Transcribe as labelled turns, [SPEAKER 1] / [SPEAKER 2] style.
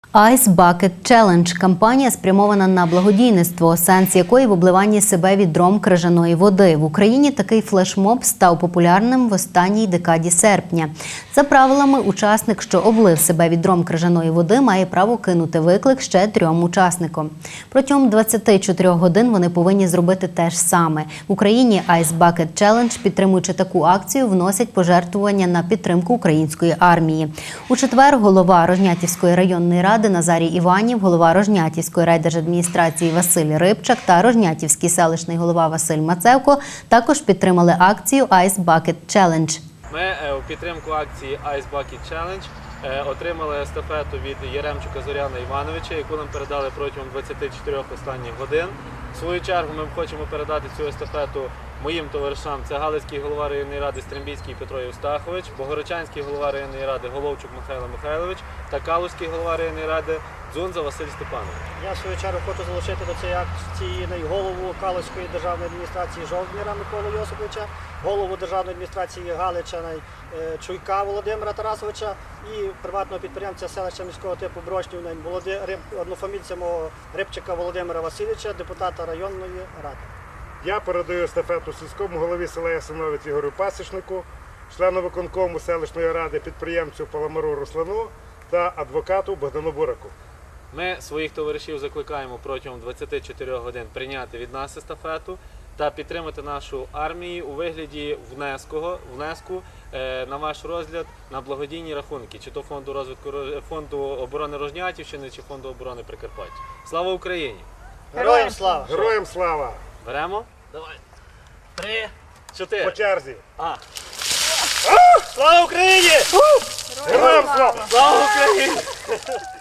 [SPEAKER 1] Ice Bucket Challenge – кампанія, спрямована на благодійництво, сенс якої в обливанні себе відром крижаної води. В Україні такий флешмоб став популярним в останній декаді серпня. За правилами, учасник, що облив себе відром крижаної води, має право кинути виклик ще 3 учасникам. Протягом 24 годин вони повинні зробити те ж саме. В Україні Ice Bucket Challenge, підтримуючи таку акцію, вносять пожертвування на підтримку української армії. У четвер голова Рожнятівської районної ради Назарій Іванів, голова Рожнятівської райдержадміністрації Василь Рибчак та Рожнятівський селищний голова Василь Мацевко також підтримали акцію Ice Bucket Challenge.
[SPEAKER 2] Ми у підтримку акції Ice Bucket Challenge отримали естафету від Яремчука Зоряна Івановича, яку нам передали протягом 24 останніх годин. В свою чергу ми хочемо передати цю естафету моїм товаришам. Це Галицький голова районної ради Стримбійський Петро Євстахович, Богородчанський голова районної ради Головчук Михайло Михайлович та Калузький голова районної ради Дзунза Василь Степанович.
[SPEAKER 3] Я в свою чергу хочу залучити до цієї акції голову Калузької державної адміністрації Жовтніра Миколу Йосиповича, голову державної адміністрації Галича Чуйка Володимира Тарасовича і приватного підприємця селища міського типу Брошнів, однофамільця мого Рибчика Володимира Васильовича, депутата районної ради.
[SPEAKER 4] Я передаю естафету сільському голові села Ясиновець Ігорю Пасічнику, члену виконкому селищної ради, підприємцю Паламару Руслану та адвокату Богдану Бураку.
[SPEAKER 2] Ми своїх товаришів закликаємо протягом 24 годин прийняти від нас естафету та підтримати нашу армію у вигляді внеску на ваш розгляд на благодійні рахунки, чи то фонду оборони Рожнятівщини, чи фонду оборони Прикарпаття. Слава Україні!
[SPEAKER 3] Героям слава!
[SPEAKER 4] Героям слава!
[SPEAKER 2] Беремо? Давай. 3, 4.
[SPEAKER 4] По черзі!
[SPEAKER 3] Слава Україні!
[SPEAKER 4] Героям слава!
[SPEAKER 2] Слава Україні!